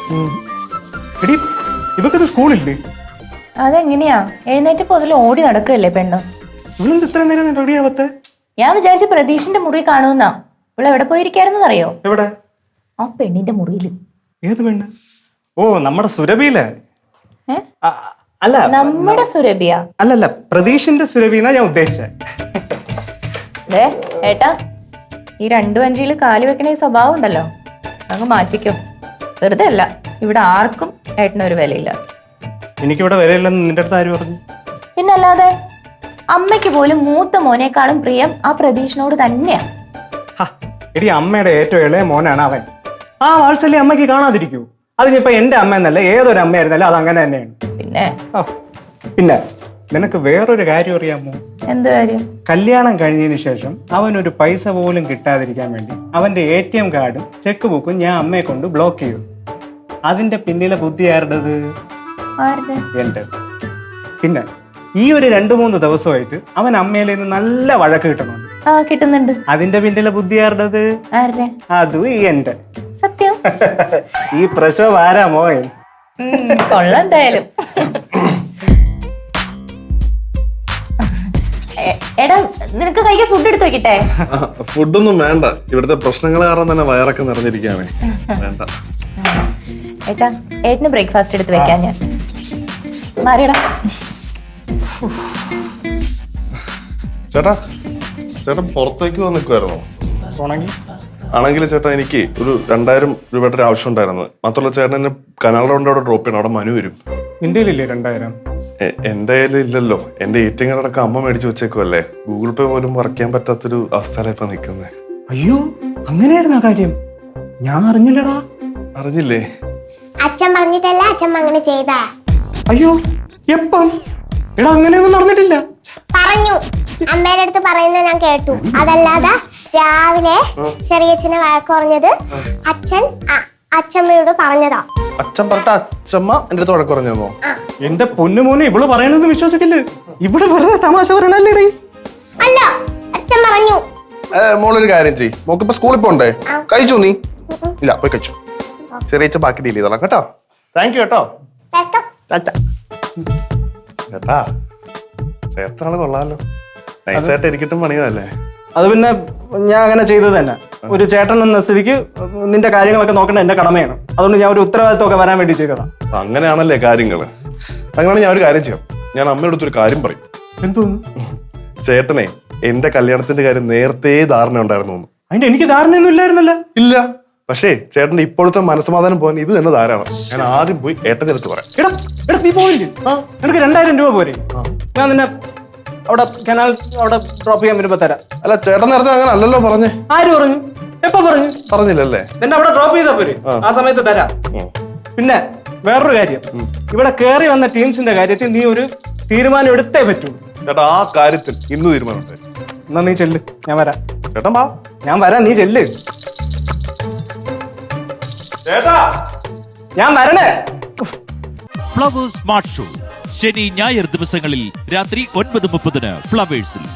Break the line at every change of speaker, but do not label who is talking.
എടി ഇവക്കത് സ്കൂളില്ലേ?
അതെങ്ങനെയാ? എഴുന്നേറ്റ് പൊതിൽ ഓടി നടക്കുകയല്ലേ പെണ്ണ്.
ഇവളെന്ത് ഇത്ര നേരം റെഡി ആവത്തെ?
ഞാൻ വിചാരിച്ച പ്രതീഷിന്റെ മുറി കാണുമെന്നാ. ഇവിടെ എവിടെ പോയിരിക്കാരെന്ന് അറിയോ?
എവിടെ?
ആ പെണ്ണിന്റെ മുറിയിൽ.
ഏത് പെണ്ണ്? ഓ, നമ്മുടെ സുരഭിയിലെ. അല്ല,
നമ്മുടെ സുരഭിയ?
അല്ലല്ല, പ്രതീഷിന്റെ സുരഭിന്നാ ഞാൻ ഉദ്ദേശിച്ചത്.
ഏട്ടാ, ഈ 2 വഞ്ചിയിൽ കാല് വെക്കണ ഈ സ്വഭാവം ഉണ്ടല്ലോ, അങ്ങ് മാറ്റിക്കും. വെറുതെ അല്ല, ഇവിടെ ആർക്കും ഏട്ടനൊരു വിലയില്ല.
എനിക്കിവിടെ വിലയില്ലെന്ന് നിന്റെ അടുത്ത് ആര് പറഞ്ഞു?
പിന്നല്ലാതെ, അമ്മയ്ക്ക് പോലും മൂത്ത മോനേക്കാളും പ്രിയം ആ പ്രതീഷിനോട് തന്നെയാ.
എടി, അമ്മയുടെ ഏറ്റവും ഇളയ മോനാണ് അവൻ. ആ വാത്സല്യം അമ്മയ്ക്ക് കാണാതിരിക്കൂ? അതിനിപ്പോ എന്റെ അമ്മ എന്നല്ല, ഏതൊരു അമ്മയായിരുന്നല്ലോ അത് അങ്ങനെ തന്നെയാണ്. പിന്നെ നിനക്ക് വേറൊരു കാര്യം അറിയാമോ?
എന്ത് കാര്യം?
കല്യാണം കഴിഞ്ഞതിന് ശേഷം അവനൊരു പൈസ പോലും കിട്ടാതിരിക്കാൻ വേണ്ടി അവന്റെ ATM കാർഡും ചെക്ക് ബുക്കും ഞാൻ അമ്മയെ കൊണ്ട് ബ്ലോക്ക് ചെയ്തു. അതിന്റെ പിന്നിലെ ബുദ്ധി ആരുടേത്? എന്റെ. പിന്നെ ഈ ഒരു 2-3 ദിവസമായിട്ട് അവൻ അമ്മയിൽ നിന്ന് നല്ല വഴക്ക്
കിട്ടുന്നുണ്ട്.
അതിന്റെ പിന്നിലെ ബുദ്ധി ആരുടേത്? അതും എന്റെ.
സത്യം.
ഈ പ്രസവം ആരാ മോൻ?
കൊള്ളാന്തായാലും. എടാ, നിനക്ക് കഴിക്കാൻ ഫുഡ് എടുത്ത് വെക്കട്ടെ?
ഫുഡൊന്നും വേണ്ട, ഇവിടുത്തെ പ്രശ്നങ്ങൾ കാരണം തന്നെ വയറൊക്കെ നിറഞ്ഞിരിക്കുകയാണ്. വേണ്ട
ഏട്ടാ, ഏട്ടന് ബ്രേക്ക്ഫാസ്റ്റ് എടുത്ത് വെക്കാൻ ഞാൻ. മാറിയടാ.
ചേട്ടാ, ചേട്ടൻ പുറത്തേക്ക് വന്ന് നിൽക്കുമായിരുന്നോ? ആണെങ്കിൽ ചേട്ടാ, എനിക്ക് ഒരു 2000 രൂപയുടെ ഒരു ആവശ്യം ഉണ്ടായിരുന്നു. മാത്രമല്ല, ചേട്ടൻ എന്നെ കനാൽ റൗണ്ട് അവിടെ ഡ്രോപ്പ് ചെയ്യണം. അവിടെ മനു വരും.
നിന്റെ കയ്യിലില്ലേ 2000?
എന്റെ കയ്യിൽ ഇല്ലല്ലോ. എന്റെ ATM കാർഡൊക്കെ അമ്മ മേടിച്ചു വെച്ചേക്കുമല്ലേ. ഗൂഗിൾ പേ പോലും വറക്കാൻ പറ്റാത്തൊരു അവസ്ഥയിലാണ് ഇപ്പൊ നിൽക്കുന്നത്.
അയ്യോ, അങ്ങനെയായിരുന്നു ആ കാര്യം? ഞാൻ അറിഞ്ഞില്ലടാ.
അറിഞ്ഞില്ലേ?
അച്ഛൻ പറഞ്ഞിട്ടല്ല അച്ഛൻ അങ്ങനെ ചെയ്താ.
അയ്യോ, എപ്പം? എടാ, അങ്ങനെയൊന്നും നടന്നിട്ടില്ല.
പറഞ്ഞു, അമ്മയുടെ അടുത്ത് പറയുന്നത് ഞാൻ കേട്ടു. അതല്ലാതെ രാവിലെ ചെറിയച്ഛനെ വഴക്ക് പറഞ്ഞത് അച്ഛമ്മയോട് പറഞ്ഞതാ.
അച്ഛൻ പറഞ്ഞ അച്ഛമ്മ എന്റെ അടുത്ത് വഴക്ക് പറഞ്ഞോ?
എന്റെ പൊന്നുമോനെ, ഇവള് പറയണതൊന്നും വിശ്വസിക്കില്ല. ഇവിടെ വെറുതെ തമാശ പറയണല്ലേ?
അല്ല, അച്ഛൻ പറഞ്ഞു.
മോളൊരു കാര്യം ചെയ്യ്, മോക്കിപ്പോ സ്കൂളിൽ പോണ്ടേ? കഴിച്ചു നീ? ഇല്ല, പോയി കഴിച്ചു. ചെറിയ ബാക്കി ഡീൽ ചെയ്തോളാം കേട്ടോ. താങ്ക് യു കേട്ടോ. ചേട്ടാ, ചേട്ടനാള് കൊള്ളാലോ. നൈസായിട്ട് ഇരിക്കട്ടും പണിയല്ലേ?
അത് പിന്നെ ഞാൻ അങ്ങനെ ചെയ്തത് തന്നെ. ഒരു ചേട്ടൻ എന്ന സ്ഥിതിക്ക് നിന്റെ കാര്യങ്ങളൊക്കെ നോക്കേണ്ട എന്റെ കടമയാണ്. അതുകൊണ്ട് ഞാൻ ഒരു ഉത്തരവാദിത്വമൊക്കെ വരാൻ വേണ്ടി ചെയ്തതാണ്.
അങ്ങനെയാണല്ലേ കാര്യങ്ങള്. അങ്ങനെയാണ് ഞാൻ ഒരു കാര്യം ചെയ്യാം. ഞാൻ അമ്മയോട് ഒരു കാര്യം പറയും.
എന്തോന്നു?
ചേട്ടനെ എന്റെ കല്യാണത്തിന്റെ കാര്യം നേരത്തെ ധാരണ ഉണ്ടായിരുന്നു.
അതിന്റെ എനിക്ക് ധാരണയൊന്നും ഇല്ലായിരുന്നല്ല.
ഇല്ല, പക്ഷേ ചേട്ടന്റെ ഇപ്പോഴത്തെ മനസ്സമാധാനം പോകാൻ ഇത് തന്നെ ധാരാളം. ഞാൻ ആദ്യം പോയി ഏട്ടന്റെ അടുത്ത് പറയാം.
എടാ, നീ പോയില്ലേ? എനിക്ക് 2000 രൂപ പോരെ? ഞാൻ നിന്നെ അവിടെ കനാൽ അവിടെ ഡ്രോപ്പ് ചെയ്യാൻ വരുമ്പോ തരാം.
അല്ല, ചേട്ടൻ നേരത്തെ അങ്ങനെ അല്ലല്ലോ പറഞ്ഞേ.
ആര് പറഞ്ഞു? എപ്പോ പറഞ്ഞു?
പറഞ്ഞില്ലല്ലേ?
എന്നെ അവിടെ ഡ്രോപ്പ് ചെയ്താ പോരെ? ആ സമയത്ത് തരാം. പിന്നെ വേറൊരു കാര്യം, ഇവിടെ കേറി വന്ന ടീംസിന്റെ കാര്യത്തിൽ നീ ഒരു തീരുമാനം എടുത്തേ പറ്റൂ.
ചേട്ടാ, ആ കാര്യത്തിൽ ഇന്ന് തീരുമാനമുണ്ട്.
എന്നാ നീ ചെല്ല്, ഞാൻ വരാം.
ചേട്ടൻ വാ.
ഞാൻ വരാം, നീ ചെല്ല്.
ചേട്ടാ,
ഞാൻ വരണേ.
ഫ്ലവേഴ്സ് സ്മാർട്ട് ഷോ ശനി ഞായർ ദിവസങ്ങളിൽ രാത്രി 9:30 ഫ്ലവേഴ്സിൽ.